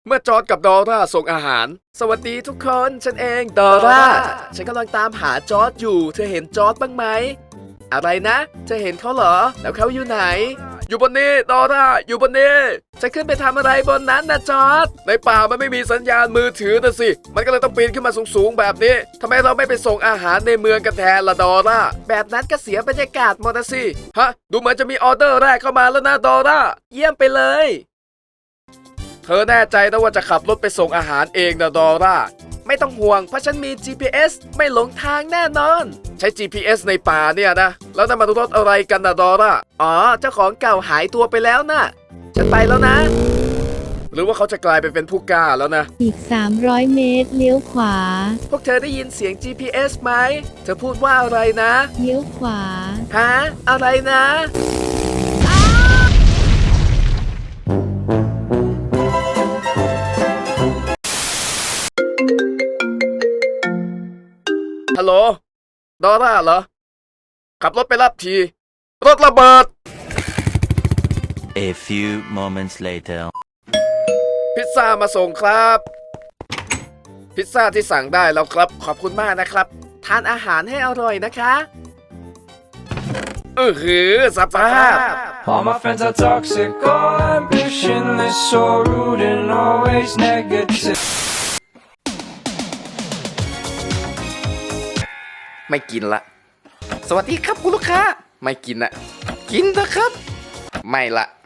เมื่อจอร์จกับดอร่าส่งอาหารสวัสดีทุกคนฉันเองดอร่าฉันกำลังตามหาจอร์จอยู่เธอเห็นจอร์จบ้างไหมอะไรนะเธอเห็นเขาเหรอแล้วเขาอยู่ไหนอยู่บนนี้ดอร่าอยู่บนนี้จะขึ้นไปทำอะไรบนนั้นนะจอร์จในป่ามันไม่มีสัญญาณมือถือนะสิมันก็เลยต้องปีนขึ้นมาสูงๆแบบนี้ทำไมเราไม่ไปส่งอาหารในเมืองกันแทนล่ะดอร่าแบบนั้นก็เสียบรรยากาศหมดนะสิฮะดูเหมือนจะมีออเดอร์แรกเข้ามาแล้วนะดอร่าเยี่ยมไปเลยเธอแน่ใจนะว่าจะขับรถไปส่งอาหารเองนะดอร่าไม่ต้องห่วงเพราะฉันมี GPS ไม่หลงทางแน่นอนใช้ GPS ในป่าเนี่ยนะแล้วนั่นมันรถอะไรกันนะดอร่าอ๋อเจ้าของเก่าหายตัวไปแล้วนะฉันไปแล้วนะหรือว่าเขาจะกลายไปเป็นผู้กล้าแล้วนะอีก300 เมตรเลี้ยวขวาพวกเธอได้ยินเสียง GPS ไหมเธอพูดว่าอะไรนะเลี้ยวขวาฮะอะไรนะฮัลโหลดอร่าเหรอขับรถไปรับทีรถระเบิด A few moments later พิซซ่ามาส่งครับพิซซ่าที่สั่งได้แล้วครับขอบคุณมากนะครับทานอาหารให้อร่อยนะคะสภาพ All my friends are toxic, all ambitionless, so rude and always negative. ไม่กินละสวัสดีครับคุณลูกค้าไม่กินนะกินเถอะครับไม่ละ